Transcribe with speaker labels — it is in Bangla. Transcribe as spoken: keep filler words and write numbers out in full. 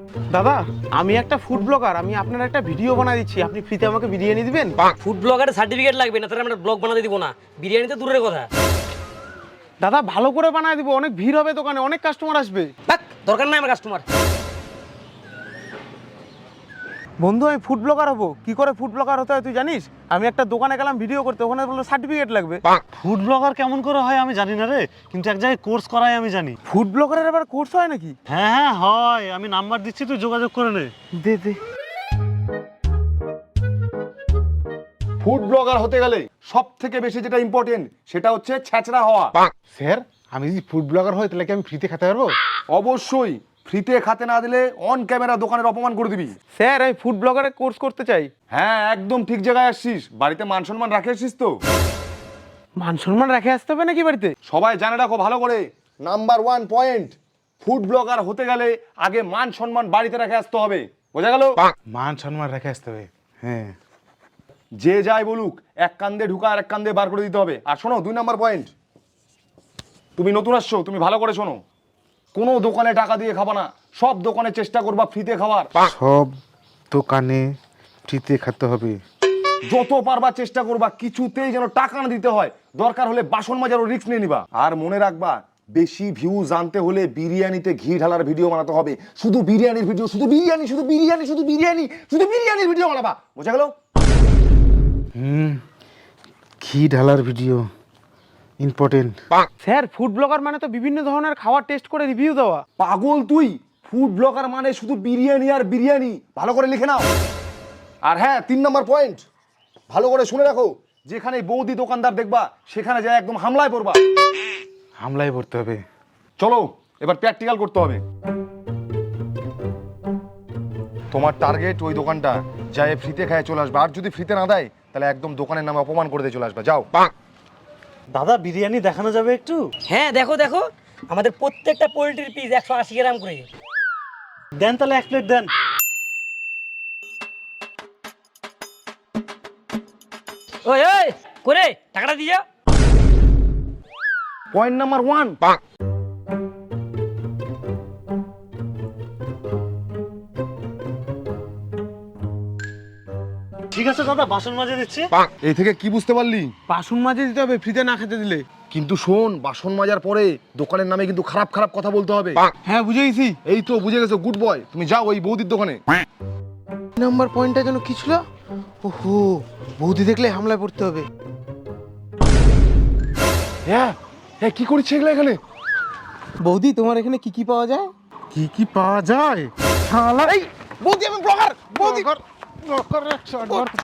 Speaker 1: দাদা আমি একটা ফুড ব্লগার, আমি আপনার একটা ভিডিও বানাই দিচ্ছি, আপনি ফ্রিতে আমাকে বিরিয়ানি দিবেন?
Speaker 2: ফুড ব্লগারের সার্টিফিকেট লাগবে না, তাহলে আমরা ব্লগ বানাতে দিব না। বিরিয়ানি তো দূরের কথা।
Speaker 1: দাদা ভালো করে বানায় দিব, অনেক ভিড় হবে দোকানে, অনেক কাস্টমার আসবে।
Speaker 2: বাক, দরকার নাই আমার কাস্টমার।
Speaker 1: বন্ধু আমি ফুড ব্লগার হবো, কি করে ফুড ব্লগার হতে হয় তুই জানিস? আমি একটা দোকানে গেলাম ভিডিও করতে, ওখানে বললো সার্টিফিকেট লাগবে।
Speaker 3: ফুড ব্লগার কেমন করে হয় আমি জানি না রে, কিন্তু এক জায়গায় কোর্স করাই আমি জানি।
Speaker 1: ফুড ব্লগারের আবার কোর্স হয় নাকি?
Speaker 3: হ্যাঁ হ্যাঁ হয়, আমি নাম্বার দিচ্ছি, তুই যোগাযোগ করে নে।
Speaker 1: দে দে।
Speaker 4: ফুড ব্লগার হতে গেলে সব থেকে বেশি যেটা ইম্পর্টেন্ট সেটা হচ্ছে ছ্যাঁচড়া হওয়া।
Speaker 5: স্যার আমি যদি ফুড ব্লগার হই তাহলে কি আমি ফ্রিতে খেতে পারবো?
Speaker 4: অবশ্যই, ফ্রিতে খাতে না দিলে অন ক্যামেরা দোকানের অপমান করে দিবি।
Speaker 1: স্যার আমি ফুড ব্লগারের কোর্স করতে চাই।
Speaker 4: হ্যাঁ একদম ঠিক জায়গায় আসছিস, বাড়িতে মান সম্মান রাখে আসছিস তো?
Speaker 1: মান সম্মান রেখে আসতে হবে নাকি বাড়িতে?
Speaker 4: সবাই জানে রাখো ভালো করে, number one point, food blogger হতে গেলে আগে মান সম্মান বাড়িতে রেখে আসতে হবে, বোঝা গেল?
Speaker 5: মান সম্মান রেখে আসতে হবে। হ্যাঁ
Speaker 4: যে যাই বলুক এক কান্দে ঢুকা আর এক কান্দে বার করে দিতে হবে। আর শোনো, দুই নাম্বার পয়েন্ট, তুমি নতুন আসছো, তুমি ভালো করে শোনো, কোনো দোকানে টাকা দিয়ে খাবা না, সব দোকানে চেষ্টা করবা ফ্রিতে খাবার।
Speaker 5: সব দোকানে ফ্রিতে খেতে হবে।
Speaker 4: যত পারবা চেষ্টা করবা কিছুতেই যেন টাকা না দিতে হয়, দরকার হলে বাসন মাজারও রিস্ক নিয়ে নিবা। আর মনে রাখবা বেশি ভিউ জানতে হলে বিরিয়ানিতে ঘি ঢালার ভিডিও বানাতে হবে, শুধু বিরিয়ানির ভিডিও, শুধু বিরিয়ানি শুধু বিরিয়ানি শুধু বিরিয়ানি শুধু বিরিয়ানির ভিডিও বানাবা, বোঝা গেল?
Speaker 5: হুম, ঘি ঢালার video important.
Speaker 1: Sir food blogger মানে তো বিভিন্ন ধরনের খাবার টেস্ট করে রিভিউ দেওয়া।
Speaker 4: পাগল তুই, ফুড ব্লগার মানে শুধু বিরিয়ানি আর বিরিয়ানি, ভালো করে লিখে নাও। আর হ্যাঁ, তিন নম্বর পয়েন্ট, ভালো করে শুনে রাখো, যেখানে বৌদি দোকানদার দেখবা সেখানে যায় একদম হামলায় পড়বা।
Speaker 5: হামলায় পড়তে হবে।
Speaker 4: চলো এবার প্র্যাকটিক্যাল করতে হবে। তোমার টার্গেট ওই দোকানটা যায় ফ্রিতে খায় চলে আসবে, আর যদি ফ্রিতে না দেয় তাহলে একদম দোকানের নামে অপমান করে দিয়ে চলে আসবে। যাও।
Speaker 3: দাদা বিরিয়ানি দেখানো যাবে একটু?
Speaker 2: হ্যাঁ দেখো দেখো, আমাদের প্রত্যেকটা পোলট্রির পিস একশো আশি গ্রাম করে।
Speaker 3: দেন তাহলে এক প্লেট দেন।
Speaker 2: ওই ওই করে টাকাটা দিয়ে যাও।
Speaker 4: পয়েন্ট নাম্বার ওয়ান,
Speaker 3: ঠিক আছে দাদা, বাসন মাজে দিচ্ছি।
Speaker 4: এই থেকে কি বুঝতে পারলি?
Speaker 1: বাসন মাজে দিতে হবে ফ্রিতে না খেতে দিলে।
Speaker 4: কিন্তু শোন, বাসন মাজার পরে দোকানের নামে কিন্তু খারাপ খারাপ কথা বলতে হবে।
Speaker 1: হ্যাঁ বুঝে গেছি।
Speaker 4: এই তো বুঝে গেছো, গুড বয়। তুমি যাও ওই বৌদির দোকানে।
Speaker 1: নাম্বার পয়েন্টটা যেন কি ছিল? ওহো, বৌদি দেখলে হামলায় পড়তে হবে।
Speaker 4: হ্যাঁ হ্যাঁ, কি করছে এগুলো এখানে?
Speaker 1: বৌদি তোমার এখানে কি কি পাওয়া যায়?
Speaker 5: কি কি পাওয়া যায়?
Speaker 1: এই বৌদি আমি ব্লগার, বৌদি।
Speaker 5: ব্লগার